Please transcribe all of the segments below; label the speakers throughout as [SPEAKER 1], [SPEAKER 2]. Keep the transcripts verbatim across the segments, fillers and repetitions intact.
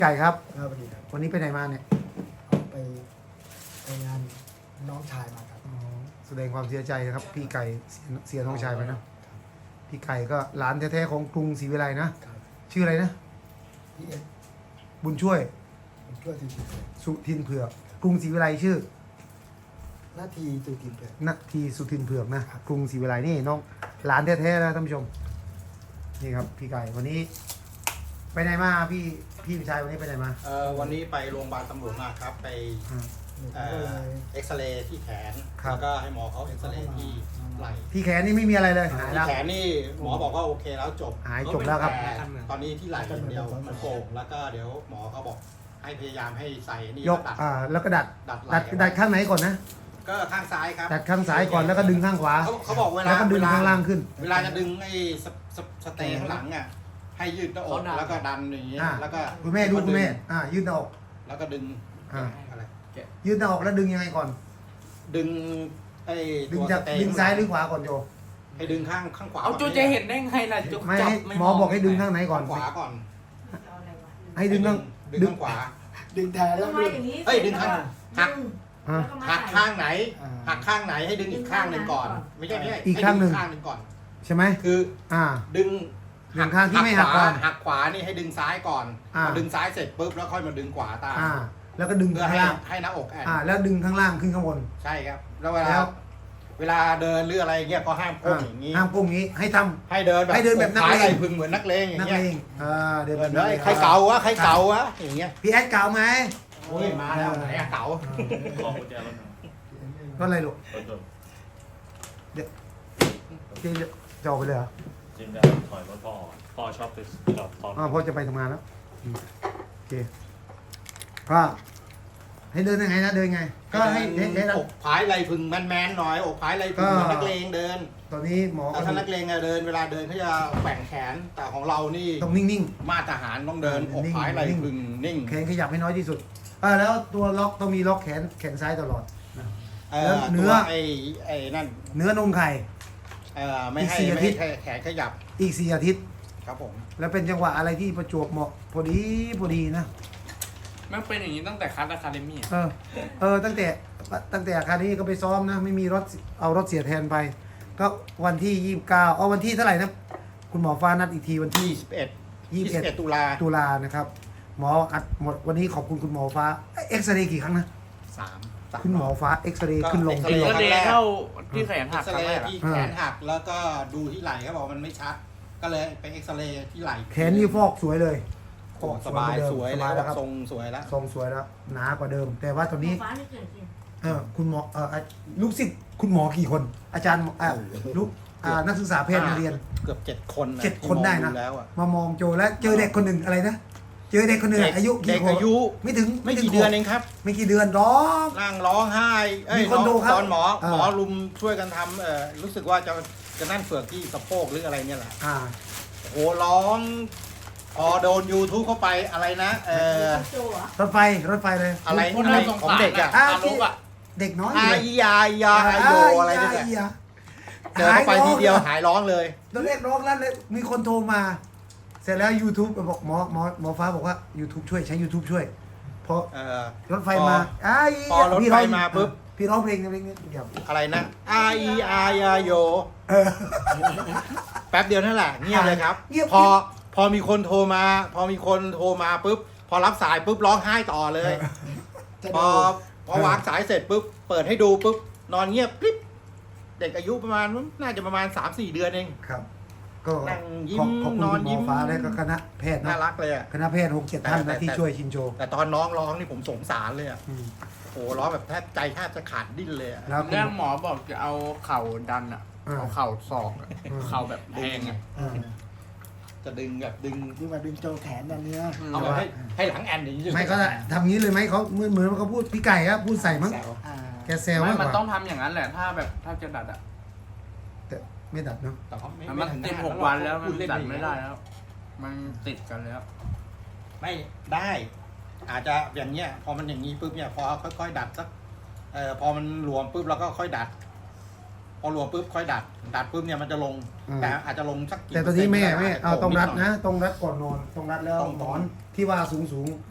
[SPEAKER 1] ไก่ครับ
[SPEAKER 2] ครับสวัสดีครับ
[SPEAKER 1] วันนี้ไปไหนมาเนี่ย
[SPEAKER 2] เอาไปไปงานน้องชายมาครับ
[SPEAKER 1] อ๋อแสดงความเสียใจนะครับ พี่ไก่เสียเสียน้องชายไปนะพี่ไก่ก็หลานแท้ๆของกรุงศรีวิไลนะครับ ชื่ออะไรนะ
[SPEAKER 2] พี่เอ็ด
[SPEAKER 1] บุญช่วย
[SPEAKER 2] ผมช่วยทีม
[SPEAKER 1] สุทินเผือกกรุงศรีวิไลชื่อ
[SPEAKER 2] หน้าที่ตูทีมเลย
[SPEAKER 1] นาทีสุทินเผือกนะกรุงศรีวิไลนี่น้องหลานแท้ๆนะท่านผู้ชมนี่ครับพี่ไก่วันนี้ ไปไหนมาพี่พี่ชายวันนี้ไปไหนมา
[SPEAKER 3] เอ่อวันนี้ไปโรงพยาบาลตำรวจมาครับไป
[SPEAKER 1] อ่า
[SPEAKER 2] หนู
[SPEAKER 3] เอ่
[SPEAKER 2] ก็
[SPEAKER 3] อ
[SPEAKER 2] เลย
[SPEAKER 3] เอ็กซเรย์ที่แขน
[SPEAKER 1] ครับ
[SPEAKER 3] แล้วก็ให้หมอเขาเอ็กซเรย์ที่ไหล่
[SPEAKER 1] ที่แขนนี่ไม่มีอะไรเลยหาย
[SPEAKER 3] ที่
[SPEAKER 1] แล้ว
[SPEAKER 3] แขนนี่หมอบอกว่าโอเคแล้วจบ
[SPEAKER 1] หายจบแล้วครับ
[SPEAKER 3] แต่ตอนนี้ที่ไหล่อย่างเดียวมันโป่งแล้วก็เดี๋ยวหมอเขาบอกให้พยายามให้ใส่นี่
[SPEAKER 1] ยก
[SPEAKER 3] ดัด
[SPEAKER 1] อ่าแล้วก็ดัด
[SPEAKER 3] ดัดไห
[SPEAKER 1] ดั
[SPEAKER 3] ล่
[SPEAKER 1] ดดัดข้างไหนก่อนนะ
[SPEAKER 3] ก็ข้างซ้ายครับ
[SPEAKER 1] ดัดข้างซ้ายก่อนแล้วก็ดึงข้างขวา
[SPEAKER 3] เขาเขาบอกเวลา
[SPEAKER 1] แล้วก็ดึง
[SPEAKER 3] เวลา
[SPEAKER 1] ข้างล่างขึ้น
[SPEAKER 3] เวลาจะดึงไอ้สสสเตย์ข้างหลังอ่ะให้ยืดหน้าอกแล้วก็ดันอย่างงี้
[SPEAKER 1] อ่า
[SPEAKER 3] แล้วก็
[SPEAKER 1] คุณแม่ดูคุณแม่อ่ายืดหน้าอก
[SPEAKER 3] แล้วก็ดึง
[SPEAKER 1] อ่า
[SPEAKER 3] อะไร
[SPEAKER 1] ยืดหน้าอกแล้วดึงยังไงก่อน
[SPEAKER 3] ดึงไอ้
[SPEAKER 1] ดึง
[SPEAKER 3] ตัว
[SPEAKER 1] จาก
[SPEAKER 3] สเตย์
[SPEAKER 1] ดึงซ้ายหรือขวาก่อนโย
[SPEAKER 3] ให้ดึงข้างข้างขวา
[SPEAKER 4] เอาจูจะเห็นได้ไงล่ะจู
[SPEAKER 1] ไม่
[SPEAKER 4] จับ
[SPEAKER 1] ให้
[SPEAKER 4] ไม่
[SPEAKER 1] หมอบอกให้ดึงข้างไหนก่อน
[SPEAKER 3] ข้างขวาก่อน
[SPEAKER 1] ให้ดึงข้าง
[SPEAKER 3] ดึง
[SPEAKER 1] ดึง
[SPEAKER 3] ข้างขวา
[SPEAKER 2] ดึงแทนแล้ว
[SPEAKER 5] ทำไม
[SPEAKER 2] ดึง
[SPEAKER 5] อย่างนี้
[SPEAKER 3] เอ้ยดึงข้างหัก
[SPEAKER 1] อ่ะ
[SPEAKER 3] หักข้างไหน
[SPEAKER 2] อ่า
[SPEAKER 3] หักข้างไหนให้ดึงอีกข้างหนึ่งก่อน ไม่ใช่ไม่ใช่
[SPEAKER 1] อีกข้างหนึ่ง
[SPEAKER 3] ใดึข้างหนึ่งก่อน
[SPEAKER 1] ใช่ไหม
[SPEAKER 3] คือ
[SPEAKER 1] อ่า
[SPEAKER 3] ดึง
[SPEAKER 1] ดึงข้างที่ไม่หัก
[SPEAKER 3] ข
[SPEAKER 1] ก่
[SPEAKER 3] วา
[SPEAKER 1] อน
[SPEAKER 3] หักขวานี่ให้ดึงซ้ายก่อน
[SPEAKER 1] อ่า
[SPEAKER 3] พอดึงซ้ายเสร็จปุ๊บแล้วค่อยมาดึงขวาตาม
[SPEAKER 1] อ่า แล้วก็ดึง
[SPEAKER 3] เพื่อ
[SPEAKER 1] ข้าง
[SPEAKER 3] ให้
[SPEAKER 1] ล่าง
[SPEAKER 3] ให้หน้าอกแอน
[SPEAKER 1] อ่า แล้วดึงข้างล่างขึ้นข้างบน
[SPEAKER 3] ใช่ครับ แล้วเวลา
[SPEAKER 1] แล้ว
[SPEAKER 3] เวลาเดินหรืออะไรเงี้ยก็ห้ามก้ม
[SPEAKER 1] อ่า
[SPEAKER 3] อย่างนี้
[SPEAKER 1] ห้ามก้มงี้ให้ทำ
[SPEAKER 3] ให้เดินแบบ
[SPEAKER 1] ให้เดินแบบนักเลง
[SPEAKER 3] ขาไหล่พึงเหมือนนักเลงอย่า
[SPEAKER 1] นั
[SPEAKER 3] ง
[SPEAKER 1] ก
[SPEAKER 3] เงี้ย
[SPEAKER 1] เลงอ่าเดิน
[SPEAKER 3] เดิ
[SPEAKER 1] แบบ
[SPEAKER 3] น
[SPEAKER 1] นัก
[SPEAKER 3] เล
[SPEAKER 1] เลย ง
[SPEAKER 3] ใครเก่าวะใครเก่าวะอย่างเงี้ย
[SPEAKER 1] พี่แอดเก่าไหม
[SPEAKER 3] โอ้ยมาแล้วไหนอะเก่า
[SPEAKER 6] ขอกุญแจรถหน่อย
[SPEAKER 1] ก็อะไรลูก
[SPEAKER 6] รถยนต์
[SPEAKER 1] พี่จะออกไปเลยเหรอ
[SPEAKER 6] จริงได้ถอยรถพ่อพ่อชอบไปจอดตอน
[SPEAKER 1] อ่าพ่อจะไปทำงานแล้วอืมโอเคก็ให้เดินยังไงนะเดินไง ก็ให้ให้ให้
[SPEAKER 3] อกผายไหล่พึงแมนๆหน่อยอกผายไหล่พึงเหมือนนักเลงเดิน
[SPEAKER 1] ตอนนี้หมอ
[SPEAKER 3] แต่
[SPEAKER 1] ก็
[SPEAKER 3] ถ้านักเลงอะเดินเวลาเดินเขาจะแกว่งแขนแต่ของเรานี่
[SPEAKER 1] ต้องนิ่ง
[SPEAKER 3] มาตรฐานต้องเดิน
[SPEAKER 1] อ่า
[SPEAKER 3] อก
[SPEAKER 1] นิ่ง
[SPEAKER 3] ผายไหล่
[SPEAKER 1] นิ่ง
[SPEAKER 3] พึงนิ่ง
[SPEAKER 1] ๆแขนขยับให้น้อยที่สุดอ่าแล้วตัวล็อกต้องมีล็อกแขนแขนซ้ายตลอด
[SPEAKER 3] เอ
[SPEAKER 1] แล้
[SPEAKER 3] อ
[SPEAKER 1] วเนื้
[SPEAKER 3] ตัว
[SPEAKER 1] อ
[SPEAKER 3] ไอ้ไอ้นั่น
[SPEAKER 1] เนื้อนมไข่
[SPEAKER 3] เออไม่ให้
[SPEAKER 1] อีกสี่
[SPEAKER 3] ไม่
[SPEAKER 1] อาทิ
[SPEAKER 3] ให้
[SPEAKER 1] ตย์
[SPEAKER 3] แขนขยับ
[SPEAKER 1] อีกสี่อาทิตย์
[SPEAKER 3] ครับผม
[SPEAKER 1] แล้วเป็นจังหวะอะไรที่ประจวบเหมาะพอดีพอดีนะ
[SPEAKER 4] มันเป็นอย่างนี้ตั้งแต่คัสอะคาเดมี่
[SPEAKER 1] เออ เออ ตั้งแต่ตั้งแต่อาคารนี้ก็ไปซ้อมนะ ไม่มีรถเอารถเสียแทนไป ก็วันที่ยี่สิบเก้าเอาวันที่เท่าไหร่นะ คุณหมอฟ้านัดอีกทีวันที่
[SPEAKER 3] ยี่สิบเอ็ด
[SPEAKER 1] ยี่สิบเอ็ด
[SPEAKER 3] ยี่สิบเอ็ดตุลา
[SPEAKER 1] ตุลานะครับ หมออัดหมดวันนี้ขอบคุณคุณหมอฟ้าเอ็กซเรย์กี่ครั้งนะ
[SPEAKER 3] สามสาม
[SPEAKER 1] คุณหมอฟ้าเอ็กซเรย์ขึ้นลง
[SPEAKER 3] ก็
[SPEAKER 1] ขึ้นล
[SPEAKER 3] เอ็
[SPEAKER 1] ง
[SPEAKER 3] กซ
[SPEAKER 4] เดย์เข้าที่แขนหั
[SPEAKER 3] เอ็
[SPEAKER 4] ก
[SPEAKER 3] กซ
[SPEAKER 4] ครั้
[SPEAKER 3] เรง
[SPEAKER 4] แรก
[SPEAKER 3] ย์
[SPEAKER 4] อะ
[SPEAKER 3] ที่แขนหักแล้วก็ดูที่ไหล่เขาบอกมันไม่ชัด ก็เลยไปเอ็กซเรย์ที่ไหล่
[SPEAKER 1] แขนนี่ฟอกสวยเลย
[SPEAKER 3] โอ้สบายสวย
[SPEAKER 1] ส
[SPEAKER 3] แล้
[SPEAKER 1] บายว แล้วครับ
[SPEAKER 3] ทรงสวยแล้ว
[SPEAKER 1] ทรงสวยแล้วหนากว่าเดิม แต่ว่าตอนนี้
[SPEAKER 5] ฟ้าไม่เกิดขึ้น
[SPEAKER 1] เออคุณหมอเอออ่ะลูกศิษย์คุณหมอกี่คน อาจารย์อ่ะลูกอ่านักศึกษาแพทย์มาเรียน
[SPEAKER 3] เกือบเจ็ดคนนะ
[SPEAKER 1] เจ็ดคนได้นะ
[SPEAKER 3] ที่มองแล้วอะ
[SPEAKER 1] มามองโจแล้วเจอเด็กคนหนึ่งอะไรนะ เจอเด็กคนหนึ่ง
[SPEAKER 3] เด็ก
[SPEAKER 1] อายุ
[SPEAKER 3] เด็
[SPEAKER 1] กี่
[SPEAKER 3] ก
[SPEAKER 1] ขวบ
[SPEAKER 3] อายุ
[SPEAKER 1] ไม่ถึง
[SPEAKER 3] ไม่
[SPEAKER 1] ถึ
[SPEAKER 3] กี่
[SPEAKER 1] ง
[SPEAKER 3] เดือน
[SPEAKER 1] ขวบ
[SPEAKER 3] เองครับ
[SPEAKER 1] ไม่กี่เดือนร้อง
[SPEAKER 3] นั่งร้องไห้เอ้ย
[SPEAKER 1] มีคนดูครับ
[SPEAKER 3] ตอนหมอ
[SPEAKER 1] เออ
[SPEAKER 3] หมอรุมช่วยกันทำเออรู้สึกว่าจะจะนั่นเฟือกที่สะโพกหรืออะไรเนี่ยแหละ
[SPEAKER 1] อ่า
[SPEAKER 3] โอ้โหร้องพอโดน YouTube เข้าไปอะไรนะ เออ
[SPEAKER 5] โจเหรอ
[SPEAKER 1] รถไฟรถไฟเลย
[SPEAKER 3] อะไร
[SPEAKER 4] คน
[SPEAKER 3] อะไร
[SPEAKER 4] น่าสง
[SPEAKER 3] ของ
[SPEAKER 4] สาร
[SPEAKER 3] เด็กอะ
[SPEAKER 4] อะ
[SPEAKER 1] อ่ะ
[SPEAKER 4] ทารกอะ
[SPEAKER 1] เด็กน้อย
[SPEAKER 3] อา
[SPEAKER 1] เลย
[SPEAKER 3] ยายาอาโยอะไรเนี่ย
[SPEAKER 1] าา
[SPEAKER 3] เจอเข้าไปทีเดียวหายร้องเลย
[SPEAKER 1] ตอนแรกร้องแล้วเลยมีคนโทรมา เสร็จแล้ว YouTube บอกหมอหมอหมอฟ้าบอกว่า YouTube ช่วยใช้ YouTube ช่วยเพราะ
[SPEAKER 3] เออ
[SPEAKER 1] รถไฟมาอ้าย
[SPEAKER 3] พอรถ
[SPEAKER 1] พี่
[SPEAKER 3] ไฟ
[SPEAKER 1] ร้อง
[SPEAKER 3] มาปุ๊บ
[SPEAKER 1] พี่ร้องเพลงเพลงนี้เดี๋ยว
[SPEAKER 3] อะไรนะอาอีอายาโย
[SPEAKER 1] เออ
[SPEAKER 3] แป๊บเดียวนั่นแหละเงียบเลยครับ
[SPEAKER 1] เงียบ
[SPEAKER 3] พอพอมีคนโทรมา พอมีคนโทรมาปุ๊บพอรับสายปุ๊บร้องไห้ต่อเลย
[SPEAKER 2] จะ
[SPEAKER 3] พ
[SPEAKER 2] ดู
[SPEAKER 3] อพอวางสายเสร็จปุ๊บเปิดให้ดูปุ๊บนอนเงียบกริบเด็กอายุประมาณน่าจะประมาณ สามสี่ เดือนเอง
[SPEAKER 1] ครับ ก็
[SPEAKER 3] นั่งยิ้
[SPEAKER 1] ข
[SPEAKER 3] ม
[SPEAKER 1] อบขอบคุณ
[SPEAKER 3] นอน
[SPEAKER 1] คุณหม
[SPEAKER 3] ยิ้
[SPEAKER 1] อ
[SPEAKER 3] ม
[SPEAKER 1] ฟ้าและก็คณะแพทย์
[SPEAKER 3] น่า
[SPEAKER 1] นะ
[SPEAKER 3] รักเลยอะ
[SPEAKER 1] คณะแพทย์หกเจ็ดท่าน
[SPEAKER 3] แต่
[SPEAKER 1] นะที่
[SPEAKER 3] แต่
[SPEAKER 1] ช่วยชินโจ
[SPEAKER 3] แต่ตอนน้องร้องนี่ผมสงสารเลยอะ
[SPEAKER 1] อืม
[SPEAKER 3] โอ้ร้องแบบแทบใจแทบจะขาดดิ้นเลยอะ
[SPEAKER 1] แล้วคุณ
[SPEAKER 4] เรื่องหมอบอกจะเอาเข่าดันอะ
[SPEAKER 1] อ่า
[SPEAKER 4] เอาเข่าศอกอะ
[SPEAKER 1] อืม
[SPEAKER 4] เข่าแบบแทงอะ
[SPEAKER 1] อ่า
[SPEAKER 3] จะดึงแบบดึง
[SPEAKER 2] ดึงมาดึงโจแขนนั่นเนี่ย
[SPEAKER 3] เอาแบบให้ให้หลังแอนอย่างนี้
[SPEAKER 1] ไม่ก็ทำงี้เลยไหมเขาเหมือนเหมือนเขาพูดพี่ไก่ครับพูดใส่มั้ง
[SPEAKER 3] แซว
[SPEAKER 2] อ่า
[SPEAKER 1] แกแซว
[SPEAKER 4] ไม่
[SPEAKER 1] มากก
[SPEAKER 4] มัน
[SPEAKER 1] ว่า
[SPEAKER 4] ต้องทำอย่างนั้นแหละ ถ้าแบบถ้าจะดัดอะ
[SPEAKER 1] แต่ไม่ดัดเนาะ
[SPEAKER 3] แต่เขาไม่
[SPEAKER 4] มัน
[SPEAKER 3] ไม่ถึง
[SPEAKER 4] ติด
[SPEAKER 3] นา
[SPEAKER 4] หกวันแล้ว
[SPEAKER 3] พู
[SPEAKER 4] มัน
[SPEAKER 3] เล่
[SPEAKER 4] ดัด
[SPEAKER 3] อย่าง
[SPEAKER 4] ไม่
[SPEAKER 3] นี้
[SPEAKER 4] ได้แล้ว มันติดกันแล้ว
[SPEAKER 3] ไม่ได้ อาจจะอย่างเงี้ยพอมันอย่างนี้ปุ๊บเนี่ยพอค่อยๆดัดสักเอ่อพอมันหลวมปุ๊บเราก็ค่อยดัด พอหลวมปุ๊บค่อยดัด ดัดปุ๊บเนี่ยมันจะลง แต่อาจจะลงสักกี่
[SPEAKER 1] แต่ตอนนี้แม่
[SPEAKER 3] เปร์
[SPEAKER 1] แม่
[SPEAKER 3] ซ็นต์
[SPEAKER 1] เอาต้องรัด
[SPEAKER 3] โผล่ดหย
[SPEAKER 1] นะต้องรัดก่อนนอนต้องรัดแล้ว
[SPEAKER 3] ต้อง
[SPEAKER 1] หมอนที่ว่าสูงสูง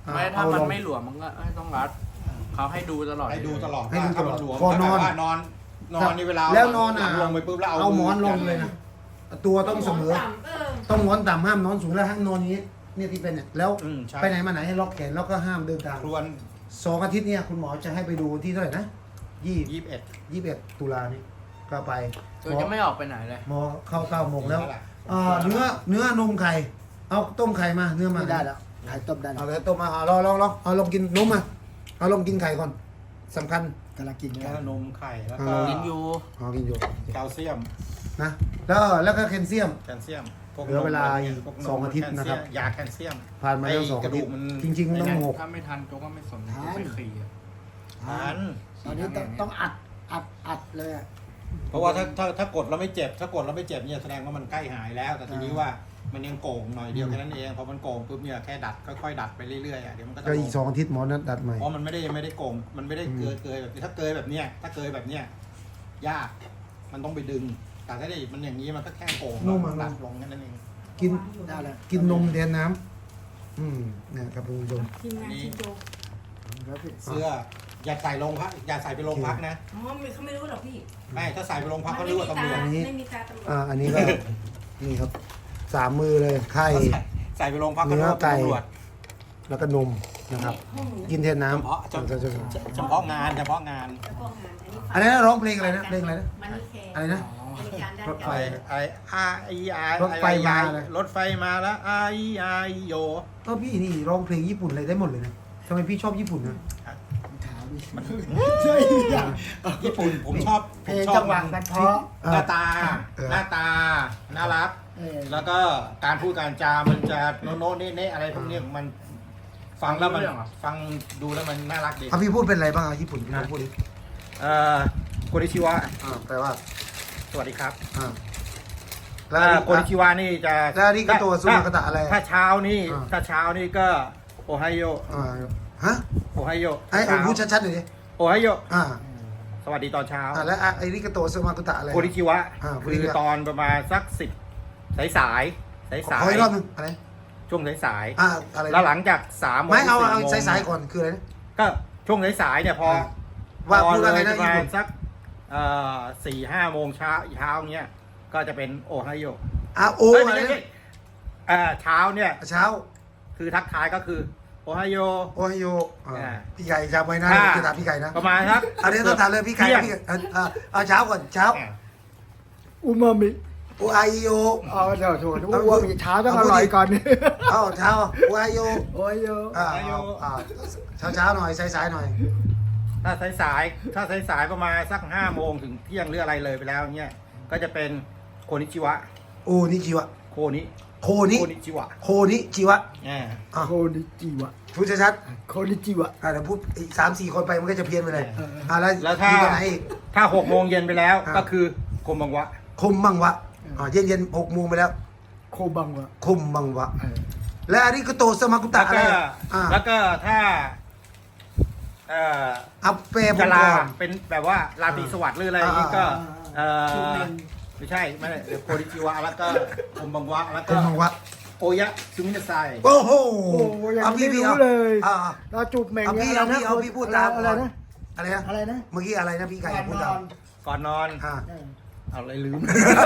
[SPEAKER 1] อ่
[SPEAKER 4] ไม่ถ้า
[SPEAKER 1] เอ
[SPEAKER 4] มัน
[SPEAKER 1] ลง
[SPEAKER 4] ไม่หลวมมันก็ไม่ต้องรัดเขาให้ดูตลอด
[SPEAKER 3] ให้ดูตลอด
[SPEAKER 1] ให้ดูตลอด
[SPEAKER 3] ว่าถ้ามันหลวม
[SPEAKER 1] ก่อนนอน
[SPEAKER 3] แต่ว่านอนนอนในเวลา
[SPEAKER 1] แล้วนอนอ่ะ
[SPEAKER 3] ลงไปปุ๊บแล้วเอา
[SPEAKER 1] เอาหมอนลงเลยนะตัวต้องเสมอ
[SPEAKER 5] เออ
[SPEAKER 1] ต้องนอนต่ำห้ามนอนสูงแล้วห้ามนอนอย่างนี้เนี่ยที่เป็นเนี่ยแล้ว
[SPEAKER 3] อืมใช่
[SPEAKER 1] ไปไหนมาไหนให้ล็อกแขนแล้วก็ห้ามเดินทาง
[SPEAKER 3] ครวน
[SPEAKER 1] สองอาทิตย์เนี่ยคุณหมอจะให้ไปดูที่เท่าไหร่นะยี่
[SPEAKER 3] ยี่สิบเอ็ด
[SPEAKER 1] ยี่สิบเอ็ดตุลานี่ก็ไป
[SPEAKER 4] คือจะไม่ออกไปไหนเลย
[SPEAKER 1] หมอเข้าเก้าโมงแล้ว
[SPEAKER 3] นั่นแหละ
[SPEAKER 1] เอ่อเนื้อเนื้อนมไข่เอาต้มไข่มาเนื้อมา
[SPEAKER 2] ไม่ได้แล้วขายต้มได้แล้
[SPEAKER 1] เอา
[SPEAKER 2] ว
[SPEAKER 1] เลยต้มมาเอาลองลองลองเอาลองกินนมมาเอาลองกินไข่ก่อนสำคัญ
[SPEAKER 2] กำลังกิน
[SPEAKER 3] แล้ว
[SPEAKER 2] กัน
[SPEAKER 3] ก็นมไข่แล้วก็
[SPEAKER 1] อ่า
[SPEAKER 4] กินอยู่
[SPEAKER 1] เอากินอยู่
[SPEAKER 3] แคลเซียม
[SPEAKER 1] นะแล้วแล้วก็แคลเซียม
[SPEAKER 3] แคลเซียมพก
[SPEAKER 1] เหลือเวลาอีก
[SPEAKER 3] พวนม
[SPEAKER 1] สองอาทิตย์นะครับ
[SPEAKER 3] แคลเซียมยาแคลเซียม
[SPEAKER 1] ผ่านมาแล้วสอง
[SPEAKER 3] ไอ้ก
[SPEAKER 1] อา
[SPEAKER 3] ระดู
[SPEAKER 1] ทิต
[SPEAKER 3] ก
[SPEAKER 1] ย์
[SPEAKER 3] มัน
[SPEAKER 1] จริงๆต้องหก
[SPEAKER 4] ถ้าไม่ทันโจก็ไม่สนโจก็ไปขี่อะ
[SPEAKER 3] ทาน
[SPEAKER 2] ตอนนี้ต้องต้องอัดอัดอัดเลยอะ
[SPEAKER 3] เพราะว่าถ้าถ้าถ้ากดแล้วไม่เจ็บ ถ้ากดแล้วไม่เจ็บเนี่ยแสดงว่ามันใกล้หายแล้ว แต่ทีนี้ว่ามันยังโก่งหน่อยเดียวแค่นั้นเองพอมันโก่งปุ๊บเนี่ยแค่ดัดค่อยๆดัดไปเรื่อยๆอ่ะเดี๋ยวมันก็จะ
[SPEAKER 1] ก็
[SPEAKER 3] ล
[SPEAKER 1] อี
[SPEAKER 3] ง
[SPEAKER 1] กสองอาทิตย์หมอนัดดัดใหม่
[SPEAKER 3] เพราะมันไม่ได้ไม่ได้โก่งมันไม่ได้
[SPEAKER 1] อืม
[SPEAKER 3] เกยเกยแบบนี้ถ้าเกยแบบเนี้ยถ้าเกยแบบเนี้ยยากมันต้องไปดึง แต่ถ้าได้มันอย่างนี้มันก็แค่โก่งดัดลงแค่นั้นเอง
[SPEAKER 1] กิน
[SPEAKER 2] ได้แล้ว
[SPEAKER 1] กินนมแทนน้ำอืมเนี่ยครับคุณผู้ชม
[SPEAKER 5] ทีมงานชินโจ
[SPEAKER 2] ครับพี่
[SPEAKER 3] เสื้ออย่าใส่ลงพักอย่าใส่ไปโรงพักนะ
[SPEAKER 5] อ๋อไม่เขาไม่รู้หรอกพี่
[SPEAKER 3] ไม่ถ้าใส่ไปโรงพัก
[SPEAKER 5] มั
[SPEAKER 3] เขา
[SPEAKER 5] น
[SPEAKER 3] เรี
[SPEAKER 5] ไม่
[SPEAKER 3] ยก
[SPEAKER 5] มี
[SPEAKER 3] ว่าตำรวจ
[SPEAKER 5] ตา
[SPEAKER 1] อันนี้
[SPEAKER 5] ไม่มีตาตำรวจ
[SPEAKER 1] อ่าอันนี้ก็ นี่ครับสามมือเลยไข่
[SPEAKER 3] ใส่ใส่ไปโรงพักเขาเรียกว่า
[SPEAKER 1] เนื้อไก่
[SPEAKER 3] ตำรวจ
[SPEAKER 1] แล้วก็นมนะครับ
[SPEAKER 5] ห้องหนู
[SPEAKER 1] กินแทนน้
[SPEAKER 3] เฉพาะเฉ
[SPEAKER 1] ำ
[SPEAKER 3] พาะเฉพาะงานเฉพาะงาน
[SPEAKER 5] แล้วก็งานอันนี้
[SPEAKER 1] อันนี้นร้องเพลงอะไรนะเพลงอะไรนะ
[SPEAKER 5] มันนี่แคร์
[SPEAKER 1] อะไรนะ
[SPEAKER 5] บริการด้าน
[SPEAKER 1] รถไฟ
[SPEAKER 5] การ
[SPEAKER 3] ไอ้ไอ้ไอ้ไอ้
[SPEAKER 1] รถไฟมาเลย
[SPEAKER 3] รถไฟมาแล้วไอ้ไอ้โย
[SPEAKER 1] ก็พี่นี่ร้องเพลงญี่ปุ่นอะไรได้หมดเลยนะทำไมพี่ชอบญี่ปุ่นนะ
[SPEAKER 2] ถามดิ
[SPEAKER 3] มัน
[SPEAKER 2] ใช่ยัง
[SPEAKER 3] ญี่ปุ่นผมชอบ
[SPEAKER 2] เพ
[SPEAKER 3] ผ
[SPEAKER 2] ล
[SPEAKER 3] ม
[SPEAKER 2] ง
[SPEAKER 3] ชอ
[SPEAKER 2] จั
[SPEAKER 3] บ
[SPEAKER 2] งหวะกันเพราะ
[SPEAKER 3] หน้าตา
[SPEAKER 1] เออ
[SPEAKER 3] หน้าตาน่ารัก
[SPEAKER 2] เออ
[SPEAKER 3] แล้วก็การพูดการจา มันจะโน้โน้เน่เน่อะไรพวกเนี้ยมันฟังแล้วมันฟังดูแล้วมันน่ารักดี
[SPEAKER 1] เอาพี่พูดเป็นอะไรบ้างอ่ะญี่ปุ่นพี่ลองพูดดิ
[SPEAKER 3] เอ่อโกนิชิวะ
[SPEAKER 1] อ่าแปลว่า
[SPEAKER 3] สวัสดีครับ
[SPEAKER 1] อ่า
[SPEAKER 3] แล้วโกนิชิวะนี่จะ
[SPEAKER 1] แล้วอาริกาโตะซุมากาตะอะไร
[SPEAKER 3] ถ้าเช้านี่
[SPEAKER 1] อ่า
[SPEAKER 3] ถ้าเช้านี่ก็โอไฮโย
[SPEAKER 1] อ่าฮะ
[SPEAKER 3] โอไฮโย
[SPEAKER 1] ไอ้ไอ้พูดชัดๆหน่อยดิ
[SPEAKER 3] โอไฮโย
[SPEAKER 1] อ่า
[SPEAKER 3] สวัสดีตอนเช้า
[SPEAKER 1] อ่าแล้วไอ้ริกาโตะซุมากาตะอะไร
[SPEAKER 3] โกนิชิวะ
[SPEAKER 1] อ่า
[SPEAKER 3] คือตอนประมาณสักสิบสายสายสาย
[SPEAKER 1] ขอ
[SPEAKER 3] สา
[SPEAKER 1] ขอย อีกรอบหนึงอะไร
[SPEAKER 3] ช่วงสายสาย
[SPEAKER 1] อ่าอะไร
[SPEAKER 3] แล้วหลังจากสามโมง
[SPEAKER 1] ไม่เอาเอา
[SPEAKER 3] สี่โมง
[SPEAKER 1] สายๆก่อนคืออะไรนะ
[SPEAKER 3] ก็ช่วงสายสายๆเนี่ยพอ
[SPEAKER 1] อ่าว่าพูดว่าไงนะ
[SPEAKER 3] พอเลยประ
[SPEAKER 1] ญี่
[SPEAKER 3] มา
[SPEAKER 1] ปุ่
[SPEAKER 3] ณ
[SPEAKER 1] น
[SPEAKER 3] สักเอ่อสี่ห้าโมงเช้าเช้าเนี้ยก็จะเป็นโอไฮโอ
[SPEAKER 1] อ่าโอ
[SPEAKER 3] เอ้ย
[SPEAKER 1] อะ
[SPEAKER 3] ไม่
[SPEAKER 1] ไร
[SPEAKER 3] ใช่
[SPEAKER 1] นะ
[SPEAKER 3] เอ่อเช้าเนี่ย
[SPEAKER 1] เช้า
[SPEAKER 3] คือทักทายก็คือโอไฮโอ
[SPEAKER 1] โอไฮโออ่า
[SPEAKER 3] อ่า
[SPEAKER 1] พี่ไก่จำไว้นะ
[SPEAKER 3] อ่า
[SPEAKER 1] จะถามพี่ไก่นะ
[SPEAKER 3] ประมาณครับ
[SPEAKER 1] อันนี้ต้องถามเลยพี่ไก่
[SPEAKER 3] ที่ยง
[SPEAKER 1] พี่ไก่อ่าอ่าเอาเช้าก่อนเช้า
[SPEAKER 3] อ่ะ
[SPEAKER 2] อูมามิ
[SPEAKER 1] โอไฮโอ
[SPEAKER 2] อ๋อเดี๋ยวโถอูมามิเช้าต้องอร่อยก่อน
[SPEAKER 1] เอาเช้าโอไฮโอ
[SPEAKER 2] โอ้ยโย
[SPEAKER 1] อ่าเอาอ่าเช้าเช้าๆหน่อยสายๆหน่อย
[SPEAKER 3] ถ้าสายสายๆถ้าสายสายๆประมาณสักห้าโมงถึงเที่ยงหรืออะไรเลยไปแล้วเนี่ยก็จะเป็นโคนิชิวะ
[SPEAKER 1] โอนิจิวะ
[SPEAKER 3] โคนิ
[SPEAKER 1] โคนิ
[SPEAKER 3] โคนิชิวะ
[SPEAKER 1] โคนิจิวะ
[SPEAKER 3] อ่า
[SPEAKER 1] อ่ะ
[SPEAKER 2] โคนิจิวะ
[SPEAKER 1] พูดชัด
[SPEAKER 2] โคนิจิวะ
[SPEAKER 1] ๆอ่าเดี๋ยวพูดอีกสามสี่คนไปมันก็จะเพี้ยนไปเลย
[SPEAKER 2] เออ
[SPEAKER 1] อ่าแล้ว
[SPEAKER 3] แล้วถ้า
[SPEAKER 1] มีตัวไหนอีก
[SPEAKER 3] ถ้าหกโมงเย็นไปแล้ว
[SPEAKER 1] อ่า
[SPEAKER 3] ก็คือโคมบังวะ
[SPEAKER 1] คมบังวะอ่าเย็นเย็นหกโมงไปแล้ว
[SPEAKER 2] โคบังวะ
[SPEAKER 1] คมบังวะ
[SPEAKER 2] เออ
[SPEAKER 1] และอาริกาโตสมากุตะ
[SPEAKER 3] แล้ว
[SPEAKER 1] อะไร
[SPEAKER 3] ก็
[SPEAKER 1] อ่า
[SPEAKER 3] แล้วก็ถ้าเอ่อ
[SPEAKER 1] เอาเปรย์ผม
[SPEAKER 3] จะลา
[SPEAKER 1] ก่อน
[SPEAKER 3] เป็นแบบว่าราตรีสวัสดิ์หรืออะไรอย่างนี้ก็ เอ
[SPEAKER 2] ชู
[SPEAKER 3] อ
[SPEAKER 2] เมน
[SPEAKER 3] ไม่ใช่ไม่ใช่เดี๋ยวโคดิจิวะแล้วก็โคมบังวะแล้ว
[SPEAKER 1] ค
[SPEAKER 3] ก็
[SPEAKER 1] มบังวะ
[SPEAKER 3] โอยะซูมินาไซ
[SPEAKER 1] โอ้โห
[SPEAKER 2] โอ้โหยัง
[SPEAKER 1] เอา
[SPEAKER 2] ไม่
[SPEAKER 1] พี่พี่
[SPEAKER 2] รู้
[SPEAKER 1] เอา
[SPEAKER 2] เลย
[SPEAKER 1] อ่า
[SPEAKER 2] เราจูบแม่ง
[SPEAKER 1] เอาพี่
[SPEAKER 2] นี่ย
[SPEAKER 1] เอาพี่เอาพี่พูดตาม
[SPEAKER 2] อะไรนะ
[SPEAKER 1] อะไรนะ
[SPEAKER 2] อะไรนะ
[SPEAKER 1] เมื่อกี้อะไรนะพี่ไก่
[SPEAKER 2] ก่อน
[SPEAKER 1] พูด
[SPEAKER 2] น
[SPEAKER 1] ตา
[SPEAKER 2] อ
[SPEAKER 1] ม
[SPEAKER 2] น
[SPEAKER 3] ก่อนนอน
[SPEAKER 1] อ่า
[SPEAKER 2] เออ
[SPEAKER 3] เอาอะไรลืม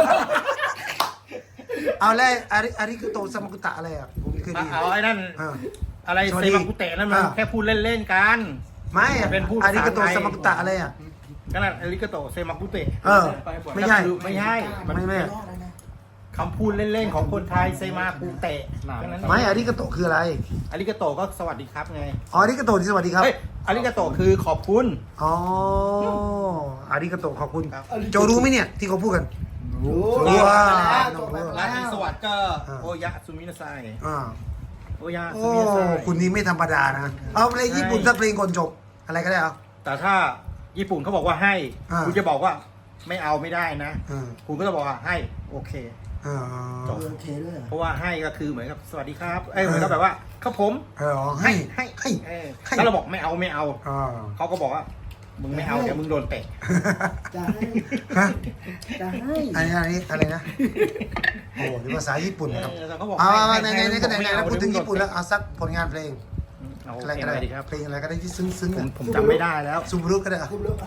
[SPEAKER 1] เอาแล้วอาริอาริกาโตสมากุตะอะไรอ่ะผมไม่เคยได้ยิน
[SPEAKER 3] เอาไอ้นั่น
[SPEAKER 1] อ่า
[SPEAKER 3] อะไร
[SPEAKER 1] สวัส
[SPEAKER 3] เซ
[SPEAKER 1] ดี
[SPEAKER 3] บังกุเตะนั่นมัน
[SPEAKER 1] อ่า
[SPEAKER 3] แค่พูดเล่นๆกัน
[SPEAKER 1] ไม่อะ
[SPEAKER 3] เป็นผู้
[SPEAKER 1] อาริกาโต
[SPEAKER 3] ภาษาไทย
[SPEAKER 1] สมากุตะอะไรอ่ะ
[SPEAKER 3] ก็นั่นอริกาโตเซมังกุเตะ
[SPEAKER 1] เออ ไม่ใช่
[SPEAKER 3] คือไม่ใช่มัน
[SPEAKER 1] ไม่ไม่
[SPEAKER 2] รอดแล้วนะ
[SPEAKER 3] คำพูดเล่นๆของคนไทยเซมากุเตะแค่นั้น
[SPEAKER 1] ไม่อาริกาโตคืออะไร
[SPEAKER 3] อริกาโตก็สวัสดีครับไง
[SPEAKER 1] อ๋ออาริกาโตที่สวัสดีครับ
[SPEAKER 3] เฮ้ยอริกาโตคือขอบคุณ
[SPEAKER 1] อ๋ออาริกาโตขอบคุณ
[SPEAKER 3] ครับ
[SPEAKER 1] โจรู้ไหมเนี่ยที่เขาพูดกัน
[SPEAKER 2] โอ้
[SPEAKER 1] รู้ว่า
[SPEAKER 2] จบไป
[SPEAKER 3] รา
[SPEAKER 2] แล้
[SPEAKER 3] ตรี
[SPEAKER 2] ว
[SPEAKER 3] สวัสดิ์ก็
[SPEAKER 1] อ่า
[SPEAKER 3] โอยะซูมินาไซ
[SPEAKER 1] อ่า
[SPEAKER 3] โอยะ
[SPEAKER 1] โอ้
[SPEAKER 3] ซูมินาไซ
[SPEAKER 1] คุณนี่ไม่ธรรมดานะ เอาเพลงญี่ปุ่น
[SPEAKER 3] ใช่
[SPEAKER 1] สักเพลงก่อนจบ อะไรก็ได้เอา
[SPEAKER 3] แต่ถ้าญี่ปุ่นเขาบอกว่าให้
[SPEAKER 1] อ่า
[SPEAKER 3] คุณจะบอกว่าไม่เอาไม่ได้นะ
[SPEAKER 1] อ่า
[SPEAKER 3] คุณก็จะบอกว่าให้โอเค
[SPEAKER 1] อ่า
[SPEAKER 3] จบ
[SPEAKER 2] โอเคเลยเหรอ
[SPEAKER 3] เพราะว่าให้ก็คือเหมือนกับสวัสดีครับ เอ้ยเหมือนกับแบบว่าครับผม
[SPEAKER 1] เออให้
[SPEAKER 3] ให้
[SPEAKER 1] ให้
[SPEAKER 3] เออ
[SPEAKER 1] ให้
[SPEAKER 3] ถ้าเราบอกไม่เอาไม่เอา
[SPEAKER 1] อ่า
[SPEAKER 3] เขาก็บอกว่า มึงไม่เอาเดี๋ยวมึงโดนเตะ
[SPEAKER 2] จะให้
[SPEAKER 1] ฮะ
[SPEAKER 2] จะให้
[SPEAKER 1] อันนี้อันนี้อะไรนะ โอ้โหนี่ภาษาญี่ปุ่นนะครับ
[SPEAKER 3] เออแต่เขาบอก
[SPEAKER 1] เอา
[SPEAKER 3] ให้
[SPEAKER 1] เอา
[SPEAKER 3] ให้
[SPEAKER 1] ในในในก็ไหน
[SPEAKER 3] ให้
[SPEAKER 1] ไหน
[SPEAKER 3] ม่
[SPEAKER 1] นะ
[SPEAKER 3] เอา
[SPEAKER 1] พูดถึง
[SPEAKER 3] เยวมึ
[SPEAKER 1] ญี่ปุ่นแล้วเอาสักผลงานเพลง
[SPEAKER 3] เอา
[SPEAKER 1] อะไร
[SPEAKER 3] เพล
[SPEAKER 1] ก็
[SPEAKER 3] งอะไร
[SPEAKER 1] ได้
[SPEAKER 3] ดีครับ
[SPEAKER 1] เพลงอะไรก็ได้ที่ซึ้งๆ
[SPEAKER 3] ผม
[SPEAKER 1] อะ
[SPEAKER 3] ผมจำไม่ได้แล้ว
[SPEAKER 1] ซูบารุก็ได้อะ
[SPEAKER 2] คุณรู้ป่ะ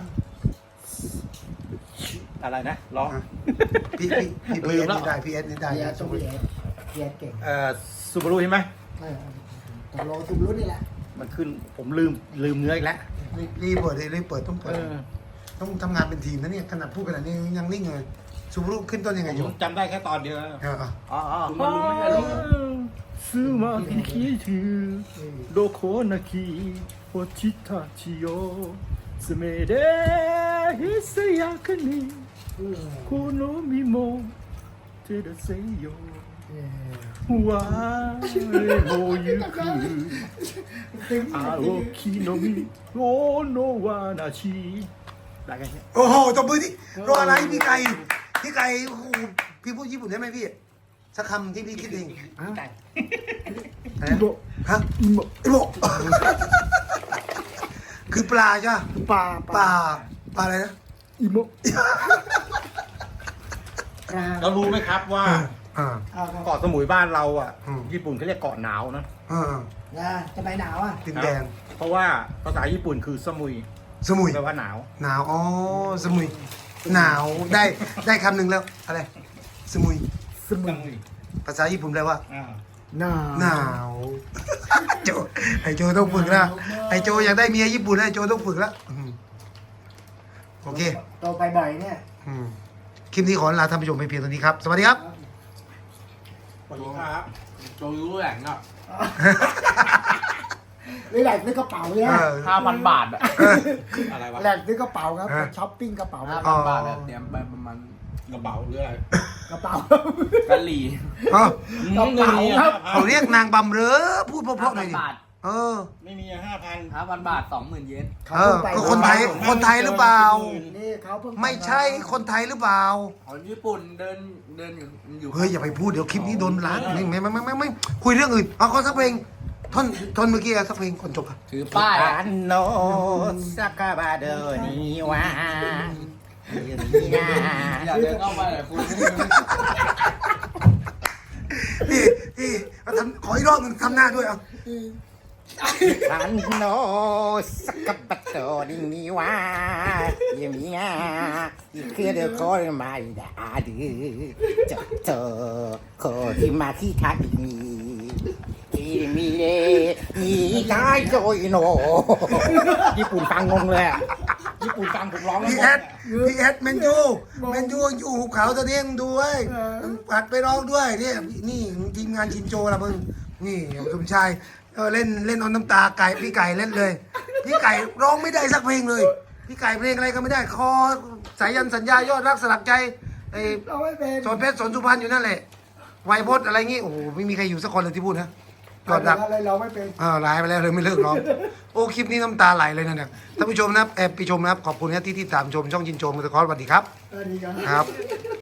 [SPEAKER 3] อะไรนะร้อง
[SPEAKER 1] พี่พี่พี่
[SPEAKER 3] ลื
[SPEAKER 1] พีเอ
[SPEAKER 3] ม
[SPEAKER 1] ส
[SPEAKER 3] แล้ว
[SPEAKER 1] นี่ได้พีเอสนี่ได้
[SPEAKER 2] เพียต้องเพียเพียเก่ง
[SPEAKER 3] เอ่อซูบารุใช่ไหม
[SPEAKER 2] เออตกลงคุณรู้นี่แหละ
[SPEAKER 3] มันขึ้นผมลืมลืมเนื้ออีกแล้ว
[SPEAKER 1] รีบรีบเปิดเลยรีบเปิดต้องเปิ
[SPEAKER 3] เอ
[SPEAKER 1] ด
[SPEAKER 3] อ
[SPEAKER 1] ต้องทำงานเป็นทีมนะเนี่ยขนาดพูดขนาดนี้ยังนิ่งเลยซูบารุขึ้นต้นยังไง
[SPEAKER 3] ผ
[SPEAKER 1] โย
[SPEAKER 3] มจำได้แค่ตอนเดียวนะ
[SPEAKER 1] เอออ่ะ
[SPEAKER 4] อ๋ออ๋อคุณมารู้ไม่ใช่เหรอ
[SPEAKER 3] ซูมาคิคิทูโดโคนาคิโอชิตาชิโยสเมเดฮิสยาคนิโคโนมิโมเทเดเซโย วาเรโมยุคุอาโอคิโนมิโอโนวานาชิได้กันเนี่ย
[SPEAKER 1] โอ้โหตบมือที่รออะไรพี่ไก่พี่ไก่โอ้โหพี่พูดญี่ปุ่นได้ไหมพี่สักคำที่พี่คิดเอง
[SPEAKER 3] ได้
[SPEAKER 1] อะไรนะฮะอิโมอิโมคือปลาใช่ปะ
[SPEAKER 2] ปลา
[SPEAKER 1] ปลาปลาอะไรนะ
[SPEAKER 2] อิโมปลา
[SPEAKER 3] เรารู้ไหมครับว่า
[SPEAKER 1] อ่า
[SPEAKER 2] เอาครับ
[SPEAKER 3] เกาะสมุยบ้านเราอ่ะ
[SPEAKER 1] อืม
[SPEAKER 3] ญี่ปุ่นเขาเรียกเกาะหนาวนะ
[SPEAKER 1] อ่า
[SPEAKER 2] นะจะไปหนาวอ่ะ
[SPEAKER 1] ดินแดง
[SPEAKER 3] เพราะว่าภาษาญี่ปุ่นคือสมุย
[SPEAKER 1] สมุย
[SPEAKER 3] แปลว่าหนาว
[SPEAKER 1] หนาวอ๋อสมุยหนาวได้ได้คำหนึ่งแล้วอะไรสมุย
[SPEAKER 2] สมุน
[SPEAKER 1] ภาษาญี่ปุ่นแปลว่า
[SPEAKER 3] อ่า
[SPEAKER 2] หนาว
[SPEAKER 1] หนาว โจไอโจต้องฝึกละไอโจอยากได้เมียญี่ปุ่นไอโจต้องฝึกละอืมโอเค
[SPEAKER 2] โตไปบ่อยเนี่ย
[SPEAKER 1] อืมคลิปนี้ขอลาท่านผู้ชมไปเพียงเท่านี้ครับ สวัสดีครับ
[SPEAKER 3] สวัสดีครับ
[SPEAKER 4] โจรู้แหล่งอ่ะ
[SPEAKER 2] นี่แหลกซื้อกระเป๋าเนี่ย
[SPEAKER 1] เออ
[SPEAKER 4] ห้าพันบาทอ่ะ
[SPEAKER 3] อะไรวะ
[SPEAKER 2] แหลกซื้อกระเป๋าครับ
[SPEAKER 1] เออ
[SPEAKER 2] ช้อปปิ้งกระเป๋า
[SPEAKER 4] ห้า
[SPEAKER 1] อ๋
[SPEAKER 4] พั
[SPEAKER 1] อ
[SPEAKER 4] นบาทอะเตรียมไปประมาณ
[SPEAKER 3] กระเป๋าหรืออะไร
[SPEAKER 2] กระเป๋า
[SPEAKER 4] กะหรี่
[SPEAKER 1] อ๋อ
[SPEAKER 2] กระเป๋าครับ
[SPEAKER 1] เขาเรียกนางบำเรอพูดเพราะๆหน่อยดิ
[SPEAKER 4] บาท
[SPEAKER 1] เออ
[SPEAKER 3] ไม่มีห้าพัน
[SPEAKER 4] ห้าพันบาทสองหมื่นเยน
[SPEAKER 1] เออก็คนไทยคนไทยหรือเปล่า
[SPEAKER 2] นี่เขาเพิ่ง
[SPEAKER 1] ไม่ใช่คนไทยหรือเปล่า
[SPEAKER 4] คนญี่ปุ่นเดินเดินอยู่อยู่
[SPEAKER 1] เฮ้ยอย่าไปพูดเดี๋ยวคลิปนี้โดนล้างไม่ไม่ไม่ไม่ไม่ไม่คุยเรื่องอื่นเอาขอสักเพลงท่อนท่อนเมื่อกี้อะสักเพลงก่อนจบอะ
[SPEAKER 4] ถือป้ายอะ
[SPEAKER 3] อันโนสักบาเดอนิวา
[SPEAKER 4] อยากเดินเข้าไปแต่คุณ
[SPEAKER 1] พี่พี่มาทำขออีกรอบหนึ่งทำหน้าด้วยเอา
[SPEAKER 3] อันโนสักบาเดอนิวาเยมิงาอีกคือเดอโคมาดาดือจบเจอโคที่มาที่ทักมีที่มีเดอีกายโจยโนญี่ปุ่นฟังงงเลยอะญี่ปุ่นฟังผมร้องแล้ว
[SPEAKER 1] พี่
[SPEAKER 3] ง
[SPEAKER 1] แอง ดพี่แอดแมนยูแมนยูอยู่หุบเขาตัวนี้มึงดูเว้ยมึงปัดไปร้องด้วยเนี่ยนี่ทีมงานชินโจละมึงนี่สมชายเออเล่นเล่นเอาน้ำตาไก่พี่ไก่เล่นเลย พี่ไก่ร้องไม่ได้สักเพลงเลย พี่ไก่เพลงอะไรก็ไม่ได้คอสายันสัญญายอดรักสลักใจไอ้
[SPEAKER 2] เราไม่เป็น
[SPEAKER 1] สอนเพชรสอนสุพรรณอยู่นั่นแหละไวยพจน์อะไรงี้โอ้โหไม่มีใครอยู่สักคนเลยที่พูดนะยอดรัก
[SPEAKER 2] อะไรเราไม่เป็น
[SPEAKER 1] อ่าวไลฟ์ไปแล้วเลยไม่เลิกร้องโอ้คลิปนี้น้ำตาไหลเลยนะเนี่ยท่านผู้ชมนะครับแอบไปชมนะครับขอบคุณนะที่ที่ตามชมช่องชินโจมอเตอร์คอร์สสวัสดีครับ
[SPEAKER 2] เออดีกัน
[SPEAKER 1] ครับ